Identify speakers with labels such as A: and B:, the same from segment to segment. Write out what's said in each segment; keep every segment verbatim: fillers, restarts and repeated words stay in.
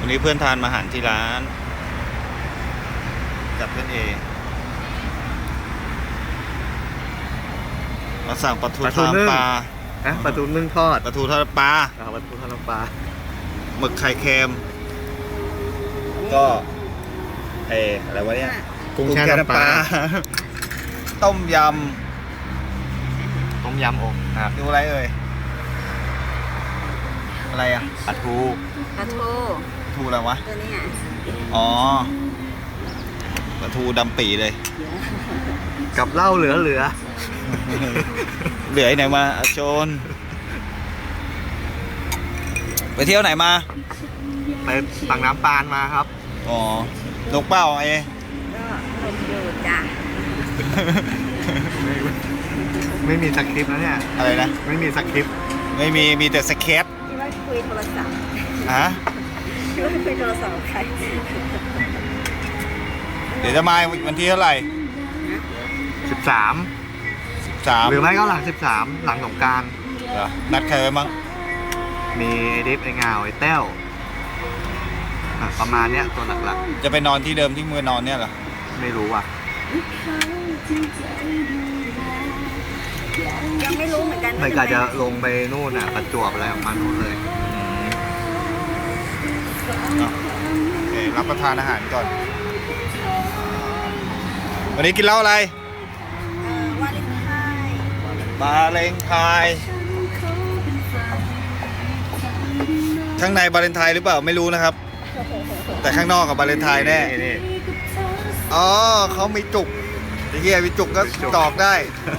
A: วันนี้เพื่อนทานมาอาหารที่ร้านกับเพื่อนเอมาสั่งปลาทู
B: ปลาทู
A: ทาม
B: นึ่ง
A: ปลา
B: นะปลาทูนึ่งทอด
A: ปลาทูทอดปลา
B: อ่าปลาทูทอดน้ำปลา
A: หมึกไข่เค็มก็เอออะไรวะเนี่ย
B: กุ้งแช่น้ำปลา
A: ต้มย
B: ต้มยำอกครับ
A: ำดูอะไรเอ่ยอะไรอ่ะ
B: ปลาทู
C: ปลาทู
A: ปลาทูอะไรวะ
C: ตัวนี้อ่ะ
A: อ๋อปลาทูดำปีเลย
B: กับเหล้าเหลือเหลือ
A: เหลือไอ้ไหนมาอาโจนไปเที่ยวไหนมา
B: ไปตักน้ำปานมาครับ
A: อ๋อลกเป้าไอ้
C: ก็ลมอยู่จ้ะ
B: ไม่ไม่มีสคริปต์นะเนี่ย
A: อะไรนะ
B: ไม่มีสคริปต์
A: ไม่มีมีแต่สเก็ต
C: ที่ว่าคุยโทรศัพท์
A: ฮะ
C: ที่ว่าคุยโทรศัพท์กับใคร
A: เดี๋ยวจะมาวันที่เท่าไหร่
B: สิบสาม
A: สาม
B: หรือไม่ก็หลังสิบสามหลังสงกราร
A: เหรอนัดใครไว้มั้ง
B: มีไอดิฟไอเงาไอเต้วอ่ะประมาณเนี้ยตัวหลัก
A: จะไปนอนที่เดิมที่มือนอนเนี่ยเหรอ
B: ๆ ไม่รู้อ่ะ
C: ยังไม่รู้เหมือนกัน
B: ไม่กะจะลงไปนู่นอ่ะประจวบอะไรของมันนู่นเลย
A: อ่ะโอเครับประทานอาหารก่อน วันนี้กินเหล้าอะไร
C: เอ่อวาเลนไทน์
A: บาเลนไทน์ข้างในบาเลนไทน์หรือเปล่าไม่รู้นะครับ แต่ข้างนอกกับบาเลนไทน์แน่
B: นี่
A: อ๋อเขามีจุกไอ้เหี้ยมีจุกก็ตอกได้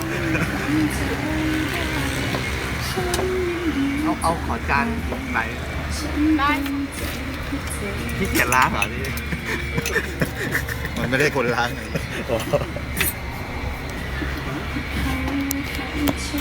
B: เอาเอาขอจานไหน
C: ได้
B: ที่เกียจล้างเหรอนี่
A: มันไม่ได้คนล้าง